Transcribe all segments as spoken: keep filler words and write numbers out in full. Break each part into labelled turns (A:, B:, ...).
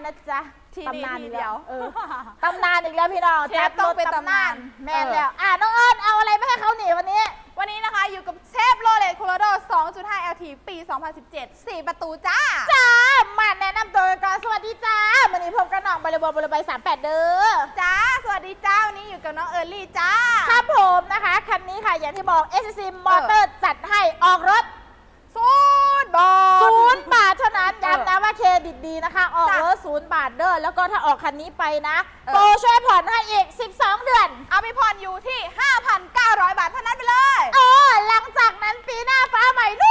A: นะจ๊ะ
B: ที่
A: ตำนาน
B: ที
A: อีก
B: เดี
A: แล้
B: ยว ว
A: เออตำนานอีกแล้วพี่น้อง
B: เชฟต้องเป็นตำนาน
A: แม่น
B: เออ
A: แล้วอ่ะน้องเอิญเอาอะไรมาให้เขาหนีวันนี้
B: วันนี้นะคะอยู่กับเชฟโรเลตโคโลโด สองจุดห้า แอล ที ปี สองพันสิบเจ็ด สี่ประตูจ้า
A: จ้ามาแนะนำตัวกันก่อนสวัสดีจ้าวันนี้พบกับน้องบริบทบริบทสามแปดเด้อ
B: จ้า สวัสดีจ้า วันนี้อยู่กับน้องเอิร์ลี่จ้า
A: ครับผมนะคะคันนี้ค่ะอย่างที่บอก เอส ซี Motor จัดให้ออกรถ
B: ศูนย์บาท
A: ศูนย์บาทเท่านั้น
B: เออ
A: ย้ำนะว่าเครดิตดีนะคะ ออก
B: จ้ะ
A: รถศูนย์บาทเด้อแล้วก็ถ้าออกคันนี้ไปนะ
B: เออ
A: โปรช่วยผ่อนให้อีกสิบสองเดือน
B: เอาไปผ่อนอยู่ที่ ห้าพันเก้าร้อย บาทเท่านั้นไปเลย
A: เออหลังจากนั้นปีหน้าฟ้าใหม่นู่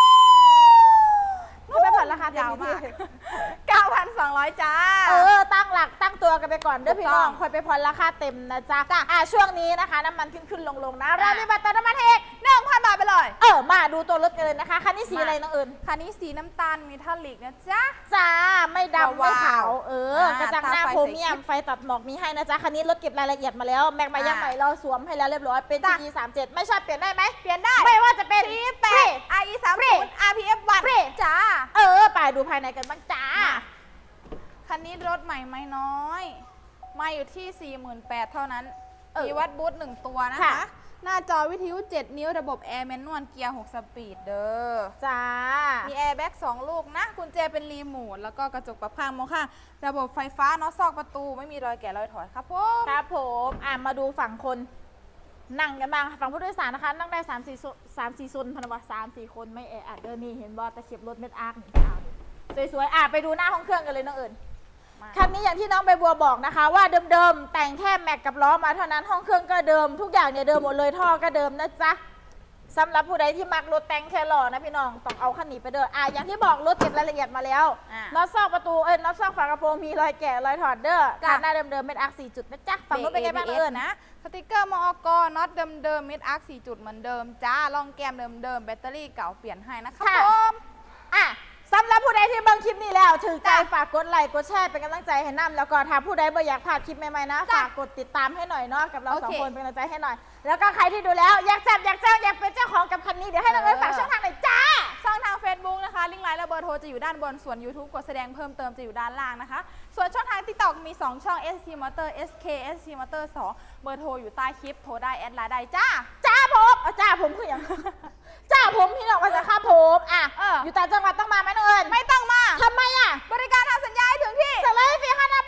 A: นไปผ่อนราคาเต็ม
B: ยาว
A: ที่
B: มาก เก้าพันสองร้อย จ้า
A: เออตั้งหลักตั้งตัวกันไปก่อนเด้อ
B: ถูก
A: พี่น้อง
B: ต้อง
A: คอยไปผ่อนราคาเต็มนะจ๊ะอ่ะช่วงนี้นะคะน้ำมันขึ้นขึ้นลงลงๆนะเรา
B: อ่ะ
A: มีบัตรเติมน้ำมันให้อีก
B: หนึ่งพัน บาทไปเลย
A: เออมาดูตัวรถกันเลยนะคะคันนี้สีอะไรน้องเอิญ
B: คันนี้สีน้ำตาลมีทัลลิกนะจ๊ะ
A: จ้าไม่ดำไม่
B: ว้าว
A: ขาวเออ
B: อ่าก
A: ระจังหน้า
B: ตาไฟ
A: โพรเมียม
B: สี
A: ไฟตัดหมอกมีให้นะจ๊ะคันนี้รถเก็บรายละเอียดมาแล้วแม็กมายัง
B: อ่า
A: ใหม่เราสวมให้แล้วเรียบร้อยเป็น
B: จ้ะ
A: จี สามเจ็ดไม่ชอบเปลี่ยนได้ไหม
B: เปลี่ยนได้
A: ไม่ว่าจะเป็น
B: ซีแปด อาร์ อี สาม
A: ฟรี
B: ศูนย์ อาร์ พี เอฟ วัน
A: ฟรี
B: จ้า
A: เออไปดูภายในกันบ้างจ้า
B: คันนี้รถใหม่ไม่น้อย มาอยู่ที่ สี่หมื่นแปดพัน เท่านั้น
A: เออ
B: มีวัดบูทหนึ่งตัวนะ
A: ค่ะ
B: คะ หน้าจอวิทยุ เจ็ด นิ้วระบบแอร์แมนนวลเกียร์ หก สปีดเด้อ
A: จ้า
B: มีแอร์แบ็กสองลูกนะ กุญแจเป็นรีโมทแล้วก็กระจกปรับข้างมองข้างระบบไฟฟ้าน็อตซอกประตูไม่มีรอยแกะรอยถอยครับผม
A: ครับผมอ่ะมาดูฝั่งคนนั่งกันบ้างฝั่งผู้โดยสารนะคะ นั่งได้สามสี่สามสี่ซนพนวัตสามสี่คนไม่แออัดเด้อนี่เห็นบอตะเข็บรถเม็ดอาร์คนี่อ่ะสวยๆอ่ะไปดูหน้าห้องเครื่องกันเลยน้องเอิญ
B: มา
A: คันนี้อย่างที่น้องใบบัวบอกนะคะว่าเดิมๆแต่งแค่แม็กกับล้อมาเท่านั้นห้องเครื่องก็เดิมทุกอย่างเนี่ยเดิมหมดเลยท่อก็เดิมนะจ๊ะสำหรับผู้ใดที่มักรถแต่งแค่หล่อนะพี่น้องต้องเอาคันนี้ไปเดินอ่ะอย่างที่บอกรถเก็บรายละเอียดมาแล้ว
B: อ่ะ
A: น็อตซอกประตูเอ้ยน็อตซอกฝากระโปรงมีรอยแกะรอยถอดเด้อ
B: จ้ะ
A: คันหน้าเดิมๆเป็นอาร์คสี่จุดนะจ๊ะฝั่งนู้นเป็นไงบ้างน้องเอิญ
B: นะ สติกเกอร์มอกน็อตเดิมๆเม็ดอาร์คสี่จุดเหมือนเดิมจ้าลองแกมเดิมๆแบตเตอรี่เก่าเปลี่ยนให้นะครับ
A: ค่ะ
B: ผม
A: อ่ะสำหรับผู้ใดที่เบิ่งคลิปนี้แล้วถือใจ
B: จ้ะ
A: ฝากกดไลค์กดแชร์เป็นกำลังใจให้น้ำแล้วก็ถ้าผู้ใดบ่อยากพลาดคลิปใหม่ๆนะ
B: จ้ะ
A: ฝากกดติดตามให้หน่อยเนาะกับเราสอง
B: โอเค
A: คนเป็นกำลังใจให้หน่อย แล้วก็ใครที่ดูแล้วอยากจับอยากจ้างอยากเป็นเจ้าของกับคันนี้เดี๋ยวให้น้องเอิญฝากช่องทางหน่อยจ้า
B: ช่องทาง Facebook นะคะ ลิงก์ไลน์และเบอร์โทรจะอยู่ด้านบน ส่วน YouTube กดแสดงเพิ่มเติมจะอยู่ด้านล่างนะคะ ส่วนช่องทาง TikTok มี สอง ช่อง เอส ซี Motor เอส เค เอส ซี Motor สอง เบอร์โทรอยู่ใต้คลิป โทรได้แอดไลน์ได้จ้า
A: จ้าผมเอาจ้าผมคืออย่าง จ้าผมพี่น้องว่าจะค่าผมอ่ะ
B: เอออ
A: อยู่ต่างจังหวัดต้องมาไหมน้องเอิญ
B: ไม่ต้องมา
A: ทำไมอ่ะ
B: บริการทำสัญญาให้ถึงที่
A: สั่งเลยฟรีค่าหน้า